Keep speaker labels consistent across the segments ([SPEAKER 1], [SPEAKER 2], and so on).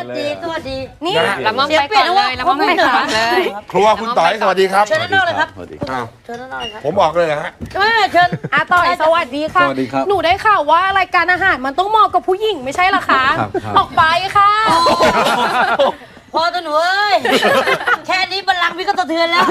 [SPEAKER 1] ดีสวัสดี
[SPEAKER 2] นี่ละมั่งไปก่อนเลยละมั่งไปก่อนเลย
[SPEAKER 3] ครัวคุณต่อยสวัสดีครับ
[SPEAKER 1] เชิญด้านนอกเลยครับเชิญด้านนอกเลยครับ
[SPEAKER 3] ผมบอกเลยนะฮะ
[SPEAKER 1] เชิญ
[SPEAKER 2] ต่อยสวัสดีค่ะหนูได้ข่าวว่ารายการอาหารมันต้องเหมาะกับผู้หญิงไม่ใช่หรอคะออกไปค่ะ
[SPEAKER 1] พอตัวหนูเอ้ยแค่นี้บัลลังก์พี่ก็สะเทือนแล้ว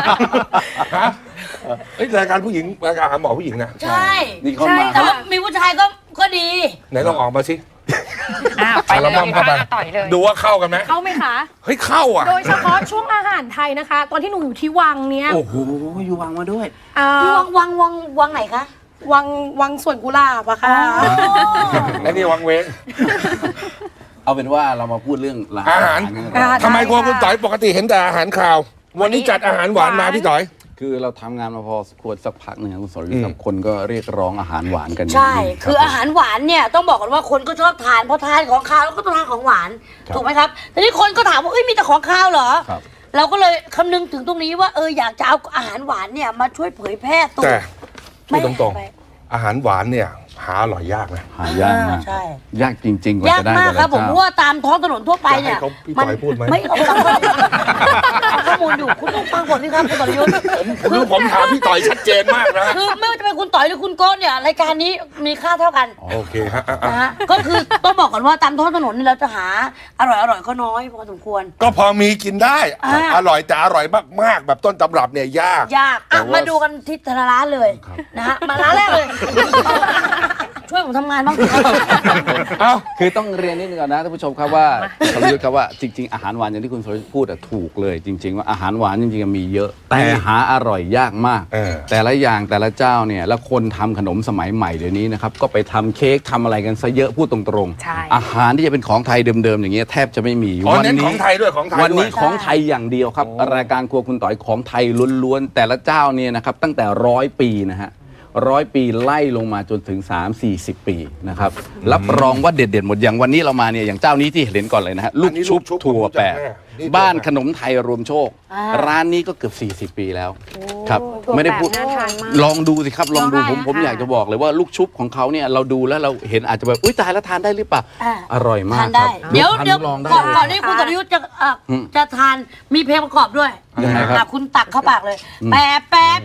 [SPEAKER 3] รายการผู้หญิงรายการอาหารหมอผู้หญิงนะ
[SPEAKER 1] ใช่แต่ว่ามีผู้ชายก็ดี
[SPEAKER 3] ไหนลองออกมาสิ
[SPEAKER 2] ไปเลยต่อยเลย
[SPEAKER 3] ดูว่าเข้ากันไหม
[SPEAKER 2] เข้าไหมคะ
[SPEAKER 3] เฮ้ยเข้าอ่ะ
[SPEAKER 2] โดยเฉพาะช่วงอาหารไทยนะคะตอนที่หนูอยู่ที่วังเนี้ย
[SPEAKER 4] โอ้โหอยู่วังมาด้วย
[SPEAKER 1] วังไหนคะ
[SPEAKER 2] วังสวนกุหลาบอะค่ะ
[SPEAKER 3] และนี่วังเว้ง
[SPEAKER 4] เอาเป็นว่าเรามาพูดเรื่อง
[SPEAKER 3] อาหารทำไมครัวคุณต่อยปกติเห็นแต่อาหารข่าววันนี้จัดอาหารหวานมาพี่ต่อย
[SPEAKER 4] คือเราทำงานมาพอควรสักพักหนึ่งคุณสรยุทธ์คนก็เรียกร้องอาหารหวานกัน
[SPEAKER 1] ใช่คืออาหารหวานเนี่ยต้องบอกกันว่าคนก็ชอบทานพอทานของคาวแล้วก็ต้องทานของหวานถูกไหมครับแต่นี่คนก็ถามว่ามีแต่ของคาวเหรอเราก็เลยคำนึงถึงตรงนี้ว่าอยากจะเอาอาหารหวานเนี่ยมาช่วยเผยแพร่ตัว
[SPEAKER 3] แต่พูดตรงๆอาหารหวานเนี่ยหาอร่อยยากนะ
[SPEAKER 4] หายากมากยากจริงๆกว่าจะได้
[SPEAKER 1] ยากมากครับผมเพราะว่าตามท้องถนนทั่วไปเนี่ย
[SPEAKER 3] พี่ต่อยพูดไหม
[SPEAKER 1] ไม่ข้อมูลอยู่คุณต้องฟังผมนี่ครับคุณต่อยยุทธ
[SPEAKER 3] ผมถามพี่ต่อยชัดเจนมากนะ
[SPEAKER 1] คือไม่ว่าจะเป็นคุณต่อยหรือคุณโก้เนี่ยรายการนี้มีค่าเท่ากัน
[SPEAKER 3] โอเคฮะ
[SPEAKER 1] ก็คือต้องบอกก่อนว่าตามท้องถนนนี่เราจะหาอร่อยก็น้อยพอสมควร
[SPEAKER 3] ก็พอมีกินได้อร่อยแต่อร่อยมากๆแบบต้นตำรับเนี่ยยาก
[SPEAKER 1] มาดูกันที่แต่ละร้านเลยนะฮะมาร้านแรกเลยช่วยผมทำงานบ้าง
[SPEAKER 4] คือต้องเรียนนิดนึงก่อนนะท่านผู้ชมครับว่าสรยุทธ์ครับว่าจริงๆอาหารหวานอย่างที่คุณสรยุทธ์พูดถูกเลยจริงๆว่าอาหารหวานจริงๆมีเยอะแต่หาอร่อยยากมากแต่ละอย่างแต่ละเจ้าเนี่ยแล้วคนทำขนมสมัยใหม่เดี๋ยวนี้นะครับก็ไปทำเค้กทำอะไรกันซะเยอะพูดตรงๆอาหารที่จะเป็นของไทยเดิมๆอย่างเงี้ยแทบจะไม่มี
[SPEAKER 3] วันนี้ของไทยด้วย
[SPEAKER 4] วันนี้ของไทยอย่างเดียวครับรายการครัวคุณต่อยของไทยล้วนๆแต่ละเจ้าเนี่ยนะครับตั้งแต่100 ปีนะฮะ100 ปีไล่ลงมาจนถึง30-40 ปีนะครับรับรองว่าเด็ดๆหมดอย่างวันนี้เรามาเนี่ยอย่างเจ้านี้ที่เห็นก่อนเลยนะฮะลูกชุบถั่วแปะบ้านขนมไทยรวมโชคร้านนี้ก็เกือบ40 ปีแล้วครับไม่ได้พูดลองดูสิครับลองดูผมอยากจะบอกเลยว่าลูกชุบของเขาเนี่ยเราดูแล้วเราเห็นอาจจะแบบอุ้ยตายแล้วทานได้หรือเปล่าอร่อยมากครับ
[SPEAKER 1] เดี๋ยวก่อนที่คุณสรยุทธ์จะทานมีเพลงประกอบด้วยคุณตักเข้าปากเลยแปะ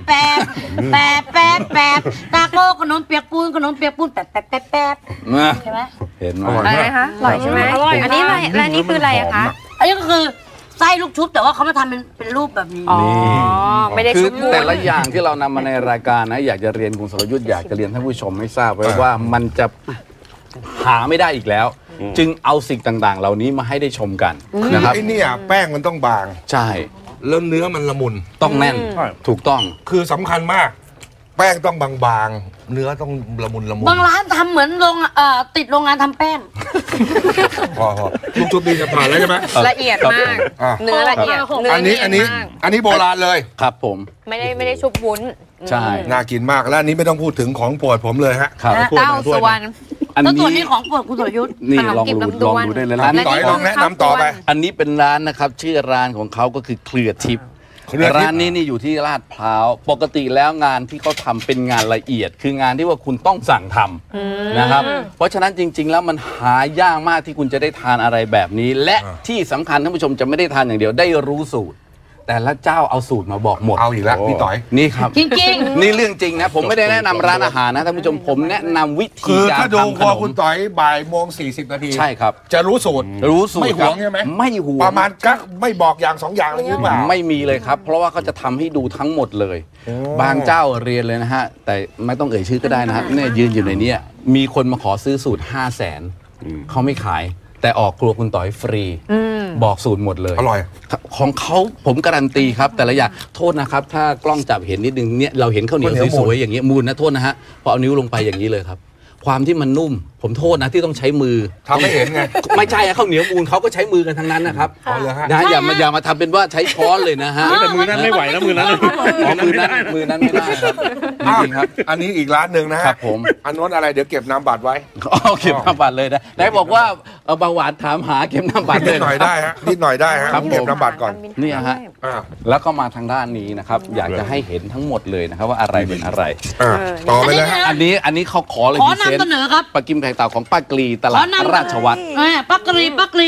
[SPEAKER 1] ตาโก้ขนมเปียกปูนแปะใช่ไหม
[SPEAKER 4] เห็นไหม
[SPEAKER 2] อะไรคะอร่อยใช่ไหมอร่อยอันนี้อะไรและนี่คืออะไรคะ
[SPEAKER 1] อันนี้ก็คือไส้ลูกชุบแต่ว่าเขามาทำเป็นรูปแบบนี้
[SPEAKER 2] ไม่ได้ชุบ
[SPEAKER 4] แต่ละอย่างที่เรานำมาในรายการนะอยากจะเรียนคุณสรยุทธ์อยากจะเรียนท่านผู้ชมให้ทราบไว้ว่ามันจะหาไม่ได้อีกแล้วจึงเอาสิ่งต่างๆเหล่านี้มาให้ได้ชมกันนะครับ
[SPEAKER 3] ไอ้นี่แป้งมันต้องบาง
[SPEAKER 4] ใช่
[SPEAKER 3] แล้วเนื้อมันละมุน
[SPEAKER 4] ต้องแน่นถูกต้อง
[SPEAKER 3] คือสำคัญมากแป้งต้องบางๆเนื้อต้องละมุน
[SPEAKER 1] บางร้านทำเหมือนติดโรงงานทำแป้ง
[SPEAKER 3] พอลูกชุบดีจะผ่านแล้วใช่ไหม
[SPEAKER 2] ละเอียดมากเนื้อละเอียด
[SPEAKER 3] อันนี้โบราณเลย
[SPEAKER 4] ครับผม
[SPEAKER 2] ไม่ได้ชุบวุ้น
[SPEAKER 4] ใช่
[SPEAKER 3] น่ากินมากแล้วอันนี้ไม่ต้องพูดถึงของโปรดผมเลยฮะ
[SPEAKER 2] เต้าสวรรค์
[SPEAKER 4] อัน
[SPEAKER 1] นี้ของโปรดคุณสรยุทธ์
[SPEAKER 4] นี่ลองดูได้เลยร้าน
[SPEAKER 3] ต่อยลองแนะนำต่อไป
[SPEAKER 4] อันนี้เป็นร้านนะครับชื่อร้านของเขาก็คือเครือทิพย์ร้านนี้นี่อยู่ที่ลาดพร้าวปกติแล้วงานที่เขาทำเป็นงานละเอียดคืองานที่ว่าคุณต้องสั่งทำนะครับเพราะฉะนั้นจริงๆแล้วมันหายากมากที่คุณจะได้ทานอะไรแบบนี้และที่สำคัญท่านผู้ชมจะไม่ได้ทานอย่างเดียวได้รู้สูตรแต่ละเจ้าเอาสูตรมาบอกหมด
[SPEAKER 3] เอาอีกแล้วพี่ต่อย
[SPEAKER 4] นี่ครับ
[SPEAKER 1] จริง
[SPEAKER 4] ๆนี่เรื่องจริงนะผมไม่ได้แนะนำร้านอาหารนะท่านผู้ชมผมแนะนำวิธีการทำขนม
[SPEAKER 3] คือถ้าดูครัวคุณต่อยบ่ายโมง40 นาที
[SPEAKER 4] ใช่ครับ
[SPEAKER 3] จะรู้สูตรไม่หวงใช่ไหม
[SPEAKER 4] ไม่หวง
[SPEAKER 3] ประมาณกักไม่บอกอย่าง2อย่างอะไรหรือเปล่า
[SPEAKER 4] ไม่มีเลยครับเพราะว่าเขาจะทำให้ดูทั้งหมดเลยบางเจ้าเรียนเลยนะฮะแต่ไม่ต้องเอ่ยชื่อก็ได้นะฮะเนี่ยยืนอยู่ในนี้มีคนมาขอซื้อสูตร500,000เขาไม่ขายแต่ออกครัวคุณต่อยฟรีบอกสูตรหมดเลย
[SPEAKER 3] อร่อย
[SPEAKER 4] ของเขาผมการันตีครับแต่ละอย่างโทษนะครับถ้ากล้องจับเห็นนิดนึงเนี่ยเราเห็นข้าวเหนียวสวยๆอย่างเงี้ยมูลนะโทษนะฮะพอเอานิ้วลงไปอย่างนี้เลยครับความที่มันนุ่มผมโทษนะที่ต้องใช้มือ
[SPEAKER 3] ทำไม่เห็นไง
[SPEAKER 4] ไม่ใช่ข้าวเหนียวมูลเขาก็ใช้มือกันทั้งนั้นนะครับนะอย่ามาทำเป็นว่าใช้ช้อนเลยนะฮะ
[SPEAKER 5] แต่มือนั้นไม่ไหวนะมือนั้น
[SPEAKER 4] มือนั้นไม่ได้ครับจริงครับ
[SPEAKER 3] อันนี้อีกร้านหนึ่งนะฮะ
[SPEAKER 4] ผม
[SPEAKER 3] อันนู้นอะไรเดี๋ยวเก็บน้ำบัตรไว้
[SPEAKER 4] เก็บน้ำบัตรเลยนะไหนบอกว่าเบาหวานถามหาเก็บน้ำบัตร
[SPEAKER 3] นิดหน่อยได้ฮะนิดหน่อยได้ฮะเก็บน้ำบัตรก่อน
[SPEAKER 4] นี่ฮะแล้วก็มาทางด้านนี้นะครับอยากจะให้เห็นทั้งหมดเลยนะครับว่าอะไรเป็นอะไร
[SPEAKER 3] ต่อไปเลย
[SPEAKER 4] อันนี้เขาขอเลย
[SPEAKER 1] ขอนำเสนอครับ
[SPEAKER 4] ปลากิมไข่เต่าของป้ากรีตลาดราชวัตร
[SPEAKER 1] ป้ากรี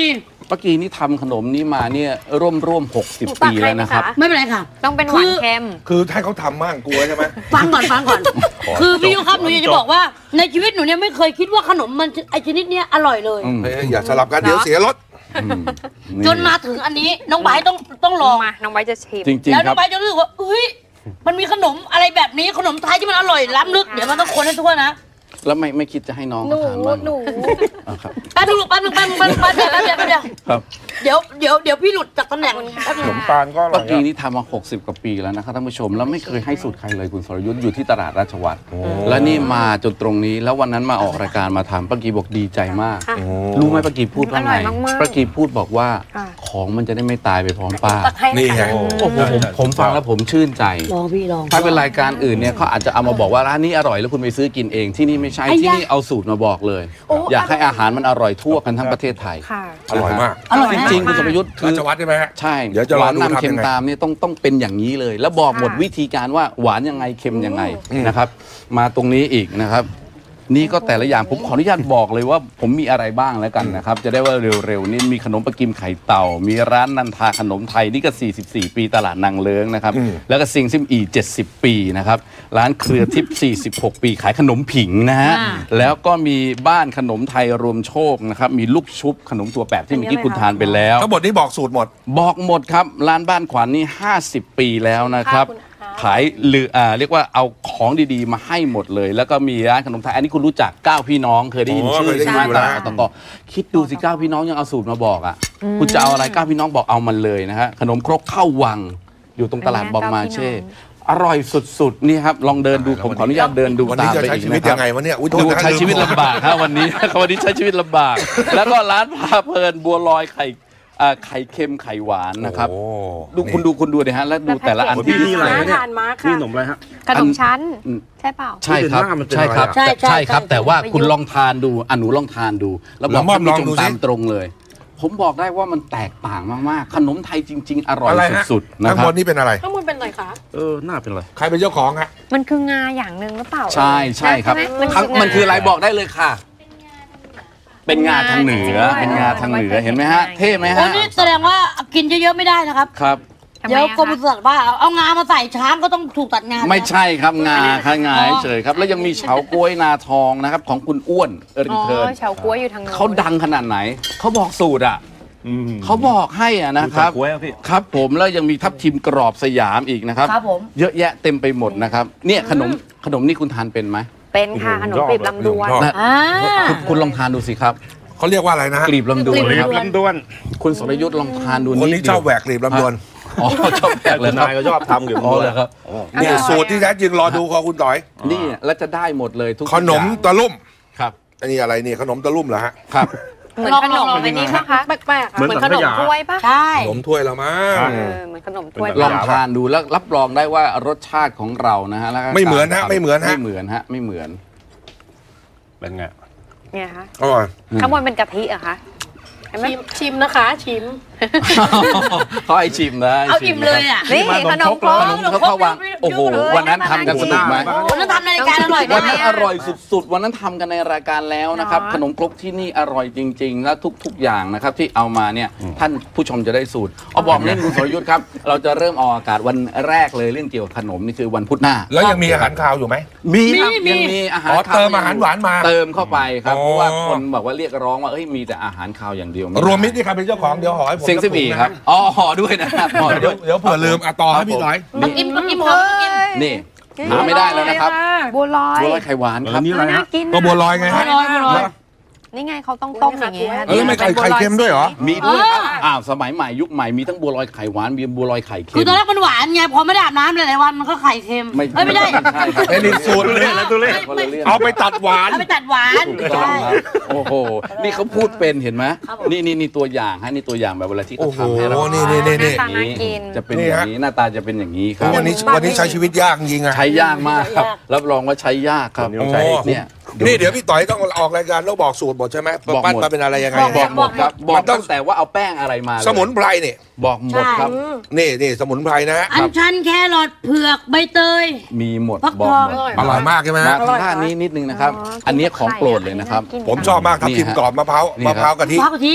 [SPEAKER 4] ป้ากีนี่ทำขนมนี้มาเนี่ยร่วม60 ปีแล้วนะครับ
[SPEAKER 1] ไม่เป็นไรค่ะ
[SPEAKER 2] ต้องเป็นหวานเค็ม
[SPEAKER 3] คือถ้าเขาทำมั่งกลัวใช่ไหม
[SPEAKER 1] ฟังก่อนคือพี่ยุครับหนูอยากจะบอกว่าในชีวิตหนูเนี่ยไม่เคยคิดว่าขนมมันไอชนิดเนี้ยอร่อยเลย
[SPEAKER 3] เฮ้ยอย่าสลับกันเดี๋ยวเสียรส
[SPEAKER 1] จนมาถึงอันนี้น้องไบร์ทต้องลอง
[SPEAKER 2] มาน้องไว้จะชิม
[SPEAKER 4] จริง
[SPEAKER 1] แล้ว
[SPEAKER 4] ๆค
[SPEAKER 1] น้อ
[SPEAKER 4] รับ
[SPEAKER 1] งไบร์ทจะรู้สึกว่าเฮ้ยมันมีขนมอะไรแบบนี้ขนมไทยที่มันอร่อยล้ำลึกเดี๋ยวมันต้องคนให้ทั่วนะ
[SPEAKER 4] แล้วไม่คิดจะให้น้องเขาทานบ้างอ่ะครับ
[SPEAKER 1] แป๊บนึงลูกแป๊บนึงเดี๋ยว
[SPEAKER 4] ครับ
[SPEAKER 1] เดี๋ยวพี่หลุดจากตำแหน่งแป๊บนึ
[SPEAKER 3] ข
[SPEAKER 1] ง
[SPEAKER 3] นมตาลก็อร่
[SPEAKER 4] ป้า
[SPEAKER 3] อย
[SPEAKER 4] กีนี่ทำมา60 กว่าปีแล้วนะครับท่านผู้ชมแล้วไม่เคยให้สูตรใครเลยคุณสรยุทธ์อยู่ที่ตลาดราชวัตรแล้วนี่มาจนตรงนี้แล้ววันนั้นมาออกรายการมาทำป้ากีบอกดีใจมาก
[SPEAKER 2] ค่ะ
[SPEAKER 4] รู้ไหมป้ากีพูดว่าไง
[SPEAKER 2] อร่อยมากๆ
[SPEAKER 4] ป้ากีพูดบอกว่า
[SPEAKER 2] ค่ะ
[SPEAKER 4] ของมันจะได้ไม่ตายไปพร้อมป้า
[SPEAKER 2] ตักให้
[SPEAKER 3] นี่ไง
[SPEAKER 2] ค่ะ
[SPEAKER 4] โอ้โหผมฟังแล้วผมชื่นใจ
[SPEAKER 1] ลองพี่ลอง
[SPEAKER 4] ถ้าเป็นรายการอื่นเนี่ยเขาอาจจะเอามาบอกว่าร้านนี้อร่อยแล้วคุณไปซื้อกินเองที่นี่ไม่ใช่
[SPEAKER 1] ไอ้ยะ
[SPEAKER 4] ที่นี่เอาสูตรมาบอกเลย
[SPEAKER 2] โอ้
[SPEAKER 4] อยากให้อาหารมันอร่อยทั่วกันทั้งประเทศไทย
[SPEAKER 2] ค่ะ
[SPEAKER 3] อร่อยมาก
[SPEAKER 1] อร่อย
[SPEAKER 4] จ
[SPEAKER 1] นะ
[SPEAKER 4] ริงๆคุณสมยุทธ์คื
[SPEAKER 3] รา
[SPEAKER 4] อ
[SPEAKER 3] ชวัฒน์ใช่ไหมฮะ
[SPEAKER 4] ใช่
[SPEAKER 3] เดี๋ยวจะ
[SPEAKER 4] ห
[SPEAKER 3] รอ
[SPEAKER 4] วาน
[SPEAKER 3] ดู
[SPEAKER 4] นำ
[SPEAKER 3] ทำ
[SPEAKER 4] เค็
[SPEAKER 3] ยั
[SPEAKER 4] ม
[SPEAKER 3] งไง
[SPEAKER 4] ตามเนี่ยต้องเป็นอย่างนี้เลย แล้วบอกหมดวิธีการว่าหวานยังไงเค็มยังไงนะครับ มาตรงนี้อีกนะครับ นี่ก็แต่ละอย่างผมขออนุญาตบอกเลยว่าผมมีอะไรบ้างแล้วกันนะครับ จะได้ว่าเร็วๆนี่มีขนมปลากิมไข่เต่า มีร้านนันทาขนมไทยนี่ก็44 ปีตลาดนางเลิ้งนะครับแล้วก็ซิงซิมอี70 ปีนะครับร้านเครือทิพย์46 ปีขายขนมผิงนะฮะแล้วก็มีบ้านขนมไทยรวมโชคนะครับมีลูกชุบขนมตัวแปบที่เมื่อกี้คุณทานไปแล้ว
[SPEAKER 3] ทั้งหมดนี้บอกสูตรหมด
[SPEAKER 4] บอกหมดครับร้านบ้านขวัญนี่50 ปีแล้วนะครับ
[SPEAKER 2] ขอบคุณค่ะ
[SPEAKER 4] ขายเรียกว่าเอาของดีๆมาให้หมดเลย แล้วก็มีร้านขนมไทยอันนี้คุณรู้จัก9พี่น้องเคยได้ยิน
[SPEAKER 3] โอ้
[SPEAKER 4] ชื่
[SPEAKER 3] เค
[SPEAKER 4] อย
[SPEAKER 3] ได้ยิน
[SPEAKER 4] ใช่
[SPEAKER 3] อยู่
[SPEAKER 4] ไหม
[SPEAKER 3] แล้ว
[SPEAKER 4] ตลาดตะกอคิดดูสิ9พี่น้องยังเอาสูตรมาบอกอ่ะคุณจะเอาอะไร9พี่น้องบอกเอามันเลยนะฮะขนมครกข้าววังอยู่ตรงตลาดบองมาเช่อร่อยสุดๆนี่ครับลองเดินดูผมขออนุญาตเดินดู
[SPEAKER 3] วัน
[SPEAKER 4] ตา
[SPEAKER 3] นี้
[SPEAKER 4] ม
[SPEAKER 3] จะ
[SPEAKER 4] ไป
[SPEAKER 3] ใช้
[SPEAKER 4] อีก
[SPEAKER 3] ชีวิต
[SPEAKER 4] นะค
[SPEAKER 3] ยั
[SPEAKER 4] รับ
[SPEAKER 3] งไงวะเนี่ยอุ๊ยโทษ
[SPEAKER 4] ดู
[SPEAKER 3] นะ
[SPEAKER 4] ใช้ชีวิตลำบากครับวันนี้ วันนี้ใช้ชีวิตลำบาก แล้วก็ร้านพาเพลินบัวลอยไข่เค็มไข่หวานนะครับ
[SPEAKER 3] โอ้
[SPEAKER 4] ดูคุณดูดิฮะแล้วดูแต่ละอัน
[SPEAKER 2] ที่
[SPEAKER 4] ที่
[SPEAKER 2] น่าทานมากค่ะ
[SPEAKER 5] นี่ขนมอะไรฮะ
[SPEAKER 2] ขนมชั้น
[SPEAKER 4] อืม
[SPEAKER 2] ใช่เปล่า
[SPEAKER 4] ใช่ครับ
[SPEAKER 5] หน้ามันเป็น
[SPEAKER 4] ใช่ครับ
[SPEAKER 5] อะไรอะ
[SPEAKER 1] ใช่
[SPEAKER 4] ครับ
[SPEAKER 1] ใช่
[SPEAKER 4] แต่ว่า
[SPEAKER 2] ประยุกต์
[SPEAKER 4] คุณลองทานดูหนูลองทานดูแล้วบอก
[SPEAKER 3] แล้วมอบ
[SPEAKER 4] ท่านผู้ช
[SPEAKER 3] ลองดู
[SPEAKER 4] ม
[SPEAKER 3] สิ
[SPEAKER 4] ตามตรงเลย ผมบอกได้ว่ามันแตกต่างมากๆ ขนมไทยจริง ๆ อร่อย
[SPEAKER 3] อะไรฮะ
[SPEAKER 4] สุดๆนะ
[SPEAKER 3] ทั้ง
[SPEAKER 4] ค
[SPEAKER 3] หม
[SPEAKER 4] รั
[SPEAKER 3] ด
[SPEAKER 4] บ
[SPEAKER 3] นี้เป็นอะไร
[SPEAKER 2] ข้างบนเป็นอะไรคะ
[SPEAKER 5] หน้าเป็นอะไร
[SPEAKER 3] ใครเป็นเจ้าของฮะ
[SPEAKER 2] มันคืองาอย่างหนึ่งหรือเปล่า
[SPEAKER 4] ใช่ครับ
[SPEAKER 2] ใช่ไหม
[SPEAKER 4] มันคืออะไรบอกได้เลยค่ะ เป็นงาทางเหนือเป็นงาทางเหนือเห็นไหมฮะเท่ไหม
[SPEAKER 1] โอ้
[SPEAKER 4] ฮะ
[SPEAKER 1] นี่แสดงว่ากินเยอะๆไม่ได้นะครับ
[SPEAKER 4] ครับ
[SPEAKER 2] ทำไม
[SPEAKER 1] เดี๋ยว
[SPEAKER 2] อะ
[SPEAKER 1] กรมป
[SPEAKER 2] คะ
[SPEAKER 1] ศุสัตว์ว่าเอางามาใส่ช้างก็ต้องถูกตัดงา
[SPEAKER 4] ไม่ใช่ครับงาค่ะงา
[SPEAKER 1] อ๋อ
[SPEAKER 4] เฉยครับ แล้วยังมีเฉาก๊วยนาทองนะครับของคุณอ้วนรี
[SPEAKER 2] อ๋อ
[SPEAKER 4] เทิร์น
[SPEAKER 2] เฉาก๊วยอยู่ทางโน้น
[SPEAKER 4] เขาดังขนาดไหน เขาบอกสูตรอ่ะเขาบอกให้อ่ะนะครับ
[SPEAKER 5] กล้วยอะพี่
[SPEAKER 4] ครับผมแล้วยังมีทับทิมกรอบสยามอีกนะครับ
[SPEAKER 1] ครับผม
[SPEAKER 4] เยอะแยะเต็มไปหมดนะครับเนี่ยขนมนี่คุณทานเป็นไหม
[SPEAKER 2] เป็นค่ะขนมกลีบลำดวน
[SPEAKER 3] ชอบ
[SPEAKER 4] นะ
[SPEAKER 1] อ่า
[SPEAKER 4] คุณลองทานดูสิครับ
[SPEAKER 3] เขาเรียกว่าอะไรนะฮะ
[SPEAKER 4] กลีบลำดวน
[SPEAKER 1] กลีบ
[SPEAKER 4] นะครับ
[SPEAKER 5] ลำดวน
[SPEAKER 4] คุณสรยุทธ์ลองทานดู
[SPEAKER 3] คน
[SPEAKER 4] นิด
[SPEAKER 3] นี้
[SPEAKER 4] เดียว
[SPEAKER 3] ชอบแหวกกลีบลำดวน
[SPEAKER 4] อ๋อชอบแปลกเลย
[SPEAKER 5] คุณ
[SPEAKER 4] ครับ
[SPEAKER 5] นายก็ชอบทำอยู่
[SPEAKER 4] อ๋อเหรอครับ
[SPEAKER 3] นี่สูตรที่แท้จริงรอดูของคุณต่อย
[SPEAKER 4] นี่แล้วจะได้หมดเลยทุก
[SPEAKER 3] ขนม
[SPEAKER 4] อย่าง
[SPEAKER 3] ตะลุ่ม
[SPEAKER 4] ครับ
[SPEAKER 3] อันนี้อะไรนี่ขนมตะลุ่มเหรอฮะ
[SPEAKER 4] ครับ
[SPEAKER 2] เหมือนขนมอันนี้ปะคะแปลกๆ
[SPEAKER 5] เหมือน
[SPEAKER 2] ขนม
[SPEAKER 5] สังขยา
[SPEAKER 2] ถ้วยปะ
[SPEAKER 1] ใช่
[SPEAKER 3] ขนมถ้วยละมั้ง
[SPEAKER 2] เหมือนขนมถ้วย
[SPEAKER 4] ลอง
[SPEAKER 2] ปะ
[SPEAKER 4] ทานดูแล้วรับรองได้ว่ารสชาติของเรานะฮะแล้วก็
[SPEAKER 3] ไม่เหมือนฮะไม่เหมือนฮะ
[SPEAKER 4] ไม่เหมือนฮะไม่เหมือน
[SPEAKER 5] เป็นไง
[SPEAKER 2] เนี่ยคะ
[SPEAKER 3] อร่อย
[SPEAKER 2] ข้างบนเป็นกะทิเหรอะคะเห็นไหม
[SPEAKER 1] ชิมนะคะชิม
[SPEAKER 4] เขาให้ชิมนะให้
[SPEAKER 1] เอา
[SPEAKER 4] ชิ
[SPEAKER 1] อิ่มเลยอ่ะ
[SPEAKER 2] นี่ขนมครก
[SPEAKER 4] ขนมเขาเข้าวางโอ้โหวันนั้นทำกันสนุกไหม
[SPEAKER 1] วันนั้นทำในรายการอร่อย
[SPEAKER 4] วั
[SPEAKER 1] มาน ก
[SPEAKER 4] นั้นอร่อยสุดๆ วันนั้นทำกันในรายการแล้วนะครับ
[SPEAKER 2] เนาะ
[SPEAKER 4] ขนมครกที่นี่อร่อยจริง ๆ และทุกๆอย่างนะครับที่เอามาเนี่ยท่านผู้ชมจะได้สูตรเอาบอกเล่นคุณสรยุทธ์ครับ เราจะเริ่มออกอากาศวันแรกเลยเรื่องเกี่ยวกับขนมนี่คือวันพุธหน้า
[SPEAKER 3] แล้วยังมีอาหารคาวอยู่ไหม
[SPEAKER 4] มีครับยังมีอาหาร
[SPEAKER 3] อ๋อ
[SPEAKER 4] คาว
[SPEAKER 3] เติมอาหารหวานมา
[SPEAKER 4] เติมเข้าไปครับ
[SPEAKER 3] อ๋อ
[SPEAKER 4] เพราะว่าคนบอกว่าเรียกร้องว่าเอ้ยมีแต่อาหารคาวอย่างเดียวไได้
[SPEAKER 3] รวมมิตรที่ใครเป็นเจ้าของเดี๋ยวหอให้ผม
[SPEAKER 4] เซ็งซิบีครับอ๋อห่อด้วยนะครับห่อ
[SPEAKER 3] เดี๋
[SPEAKER 4] ด้
[SPEAKER 3] ยว วย เดี๋ยวเผื่อลืมต่อให้พี่ต่อย
[SPEAKER 1] ต้องกินต้องกินหอมต้องกิน
[SPEAKER 4] นี่หาไม่ได้แล้วนะครับ
[SPEAKER 2] บัวลอย
[SPEAKER 4] บัวลอยไข่หวานครับ
[SPEAKER 5] นี่อะไร
[SPEAKER 2] น่า
[SPEAKER 5] ฮะ
[SPEAKER 2] กิน
[SPEAKER 3] ก็บัวลอยไงฮะ
[SPEAKER 1] บัวลอย
[SPEAKER 2] นี่ไงเขาต้องต้มอย่างงี้ค่ะ
[SPEAKER 3] เออไม่ไข่เค็มด้วยเหรอ
[SPEAKER 4] มีด้วยครับสมัยใหม่ยุคใหม่มีทั้งบัวลอยไข่หวานมีบัวลอยไข่เค็ม
[SPEAKER 1] คือตอนแรกมันหวานไงพอไม่ได้อาบน้ำหลายๆวันมันก็ไข่เค็ม
[SPEAKER 4] ไม่
[SPEAKER 1] เอ้ยไม่ได้
[SPEAKER 4] ใช่ครับ
[SPEAKER 3] ไอ้นี่สูตรเลย
[SPEAKER 5] แล้วตัวเลข
[SPEAKER 4] คนละเรื่อง
[SPEAKER 3] เอาไปตัดหวาน
[SPEAKER 1] เอาไปตัดหวาน
[SPEAKER 4] ถูกต้องครับโอ้โหนี่เขาพูดเป็นเห็นไหม
[SPEAKER 1] ครับผม
[SPEAKER 4] นี่ตัวอย่างฮะนี่ตัวอย่างแบบเวลาที่เขาทำให้เรา
[SPEAKER 3] โอ้โหนี่
[SPEAKER 2] หน้าตาน่ากิน
[SPEAKER 4] จะเป็นอย่างนี้หน้าตาจะเป็นอย่างนี้ครับ
[SPEAKER 3] วันนี้ใช้ชีวิตยากจริงอะ
[SPEAKER 4] ใช้ยากมากครับรับรองว่าใช้ยากครับ
[SPEAKER 5] โอ้โห
[SPEAKER 4] เนี่ย
[SPEAKER 3] นี่เดี๋ยวพี่ต่อยต้องออกรายการแล้วบอกสูตรหมดใช่ไหม
[SPEAKER 4] บอกหมด
[SPEAKER 3] ปั้นมาเป็นอะไรยังไง
[SPEAKER 4] บอกหมดครับบอ
[SPEAKER 3] มั
[SPEAKER 4] ก
[SPEAKER 3] นต้อง
[SPEAKER 4] ตั้งแต่ว่าเอาแป้งอะไรมาเลย
[SPEAKER 3] สมุนไพรนี่
[SPEAKER 4] บอกหมดครับ
[SPEAKER 3] นี่สมุนไพรนะฮะ
[SPEAKER 1] อัญชันแครอทเผือกใบเตย
[SPEAKER 4] มีหมด
[SPEAKER 1] ฟัก
[SPEAKER 4] บอก
[SPEAKER 1] ทอง
[SPEAKER 4] หมด
[SPEAKER 3] อร่อยมากใช่ไหม
[SPEAKER 4] มา
[SPEAKER 3] ฮะ
[SPEAKER 4] ทางด้านนี้นิดนึงนะครับ อันนี้ของโปรดเลยนะครับ
[SPEAKER 3] ผมชอบมากทับทิมกรอบมะพร้าวกะทิ
[SPEAKER 1] ฟ้ากะทิ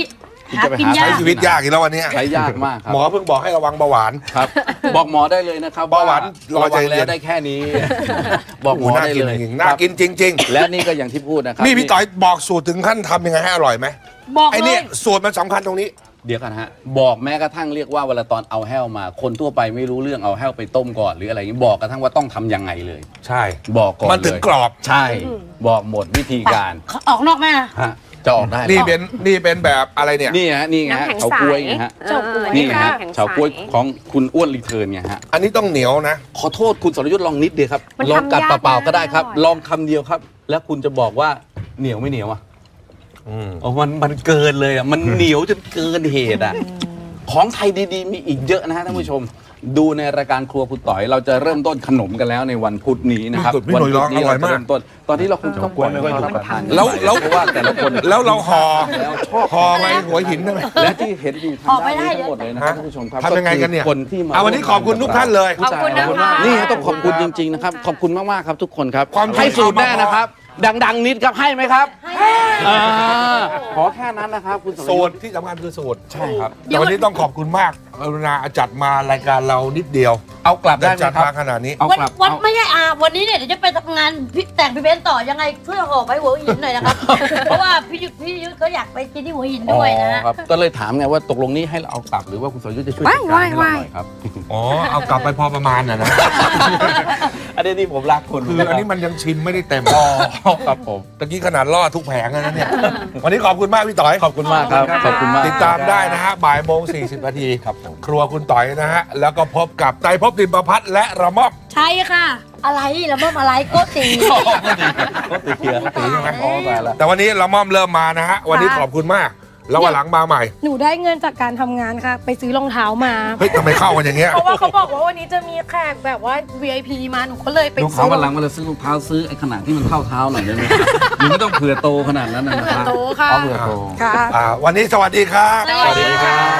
[SPEAKER 4] คุณจะไป
[SPEAKER 1] หากินยาก
[SPEAKER 3] ใช้ชีวิตยากอีกแล้ววันเนี้ย
[SPEAKER 4] ใช้ยากมากครับ
[SPEAKER 3] หมอเพิ่งบอกให้ระวังเบาหวาน
[SPEAKER 4] ครับ บอกหมอได้เลยนะครับ
[SPEAKER 3] เบาหวานรอ
[SPEAKER 4] ระ
[SPEAKER 3] ใจ
[SPEAKER 4] วัง
[SPEAKER 3] เย็น
[SPEAKER 4] แล้วได้แค่นี้ บอกหมอ
[SPEAKER 3] น่า
[SPEAKER 4] ได้
[SPEAKER 3] กิน
[SPEAKER 4] เลย
[SPEAKER 3] จริงๆน่ากินจริง
[SPEAKER 4] และนี่ก็อย่างที่พูดนะครั
[SPEAKER 3] ๆ นี่พี่ต่อยบอกสูตรถึงขั้นทำยังไงให้อร่อยไหม
[SPEAKER 1] บอก
[SPEAKER 3] ไอ้
[SPEAKER 1] เล
[SPEAKER 3] นี่
[SPEAKER 1] ย
[SPEAKER 3] สูตรมันสำคัญตรงนี้
[SPEAKER 4] เดี๋ยวกันฮะบอกแม้กระทั่งเรียกว่าเวลาตอนเอาแห้วมา คนทั่วไปไม่รู้เรื่องเอาแห้วไปต้มก่อนหรืออะไรอย่างนี้บอกกระทั่งว่าต้องทำยังไงเลย
[SPEAKER 3] ใช่
[SPEAKER 4] บอกก่อน
[SPEAKER 3] มันถึง
[SPEAKER 4] เลย
[SPEAKER 3] กรอบ
[SPEAKER 4] ใช่บอกหมดวิธีการ
[SPEAKER 1] ออกนอกแม่นะ
[SPEAKER 4] ฮะจะออกได้
[SPEAKER 3] นี่เป็นแบบอะไรเนี่ย
[SPEAKER 4] นี่ฮะนี่ไงฮะ
[SPEAKER 6] น้ำแข็ง
[SPEAKER 4] เฉาก๊วยไงฮะ
[SPEAKER 2] เฉาก๊วย
[SPEAKER 4] นี่ฮะ
[SPEAKER 6] น้ำแข็งใส
[SPEAKER 4] เฉาก๊วยของคุณอ้วนรีเทิร์นไงฮะ
[SPEAKER 3] อันนี้ต้องเหนียวนะ
[SPEAKER 4] ขอโทษคุณสรยุทธ์ลองนิดเดียวครับ
[SPEAKER 6] มัน
[SPEAKER 4] ลองกัด
[SPEAKER 6] ทำยาก
[SPEAKER 4] เปล่าๆก็ได้ครับ
[SPEAKER 6] นะอร่อย
[SPEAKER 4] ลองคำเดียวครับ แล้วคุณจะบอกว่าเหนียวไม่เหนียวอ่ะ
[SPEAKER 3] อืม
[SPEAKER 4] โอ้มันเกินเลยอ่ะมันเหนียวจนเกินเหตุอ่ะของไทยดีๆมีอีกเยอะนะฮะท่านผู้ชม ดูในรายการครัวคุณต่อยเราจะเริ่มต้นขนมกันแล้วในวันพุธนี้นะครับ
[SPEAKER 3] พี่หนุ่ยร้อง
[SPEAKER 4] นี้
[SPEAKER 3] อร่อยมาก
[SPEAKER 4] เริ่มต้นตอนนี้เราคงต้องปล่อยให้เขารับประทาน
[SPEAKER 3] แล้ว
[SPEAKER 4] เพราะว่าแต่ละคน
[SPEAKER 3] แล้วเราห่อ
[SPEAKER 4] แล้วชอบ
[SPEAKER 3] ห่อไว้หัวหินได้ไหม
[SPEAKER 4] และที่เห็นอยู่ทาง
[SPEAKER 1] ออกไม่
[SPEAKER 4] ด้าน
[SPEAKER 1] ได้
[SPEAKER 4] นี้ทั้งหมดเลยนะค
[SPEAKER 3] ฮะ
[SPEAKER 4] รับท่านผู้ชมครับ
[SPEAKER 3] ทำยังไงกันเนี่ย
[SPEAKER 4] คือคนที่มา
[SPEAKER 3] วันนี้ขอบคุณทุกท่านเลย
[SPEAKER 6] ขอบคุณนะคะ
[SPEAKER 4] นี่ต้องขอบคุณจริงๆนะครับขอบคุณมากๆครับทุกคนครับ
[SPEAKER 3] ความ
[SPEAKER 4] ให้สูตรแน่นะครับ ดังๆนิดครับให้ไหมครับอ่าขอแค่นั้นนะครับคุณสร
[SPEAKER 3] สู
[SPEAKER 4] ยุ
[SPEAKER 3] ต
[SPEAKER 4] ท
[SPEAKER 3] ร
[SPEAKER 4] ธ์
[SPEAKER 3] ที่สำคัญคือสูตร
[SPEAKER 4] ใช่ครับ
[SPEAKER 3] แต่วันนี้ต้องขอบคุณมากกรุณาจัดมารายการเรานิดเดียว
[SPEAKER 4] เอากลับได้ไหม
[SPEAKER 3] จัด
[SPEAKER 4] ครับ
[SPEAKER 3] มาขนาดนี้
[SPEAKER 4] เอา
[SPEAKER 1] วัน
[SPEAKER 4] กลับ
[SPEAKER 1] วัน
[SPEAKER 4] เอา
[SPEAKER 1] ไม่ใช่วันนี้เนี่ยเดี๋ยวจะไปทำงานแต่งพี่เบนซ์ต่อยังไงช่วยห่อไปหัวหินหน่อยนะครับ เพราะว่าพี่ยุทธเขาอยากไปกินที่หัวหินด้วยนะฮะ
[SPEAKER 4] อ๋อครับก็เลยถามไงว่าตกลงนี้ให้เราเอากลับหรือว่าคุณสรยุทธ์จะช่วยจัดการให้เราหน่อยครับ
[SPEAKER 3] อ๋อ เอากลับไปพอประมาณนะ
[SPEAKER 4] อันนี้ที่ผมรักคุณ
[SPEAKER 3] คืออันนี้มันยังชิมไม่ได้เต็ม
[SPEAKER 4] ครับผม
[SPEAKER 3] ตะกี้ขนาดล่อทุกแผงแล้วนะเนี่ย วันนี้ขอบคุณมากพี่ต่อย
[SPEAKER 4] ขอบคุณมากครับขอบคุณมาก
[SPEAKER 3] ติดตามได้นะฮะบ่ายโมง40 นาทีครับครัวคุณต่อยนะฮะ แล้วก็พบกับไตรภพดิมประพัฒน์และระม่อม
[SPEAKER 1] ใช่ค่ะ อะไรละม่อมอะไรโกติ
[SPEAKER 4] ก็ติดเชื้อ
[SPEAKER 3] ตีใช่ไหม
[SPEAKER 4] อ๋อตายละ
[SPEAKER 3] แต่วันนี้ระม่อมเริ่มมานะฮะ วันนี้ขอบคุณมาก แล้ววันหลังมาใหม่
[SPEAKER 2] หนูได้เงินจากการทำงานค่ะ ไปซื้อรองเท้ามา
[SPEAKER 3] เฮ้ยทำไมเข้ากันอย่างเงี้ย
[SPEAKER 2] เพราะว่าเขาบอกว่าวันนี้จะมีแขกแบบว่า VIP มาหนูก็เลยไป
[SPEAKER 4] ลูก
[SPEAKER 2] ซื้
[SPEAKER 4] เขา
[SPEAKER 2] อ
[SPEAKER 4] วันหลังเวลาซื้อรองเท้าซื้อไอ้ขนาดที่มันเข้าเท้าหน่อยได้ไหมหรือไม่ต้องเผื่อโตขนาดนั้นนะครับ
[SPEAKER 2] โตค่ะ
[SPEAKER 4] เอาเผื่อโต
[SPEAKER 2] ค่ะ
[SPEAKER 3] วันนี้สวัสดีครับ
[SPEAKER 1] สวัสดีครับ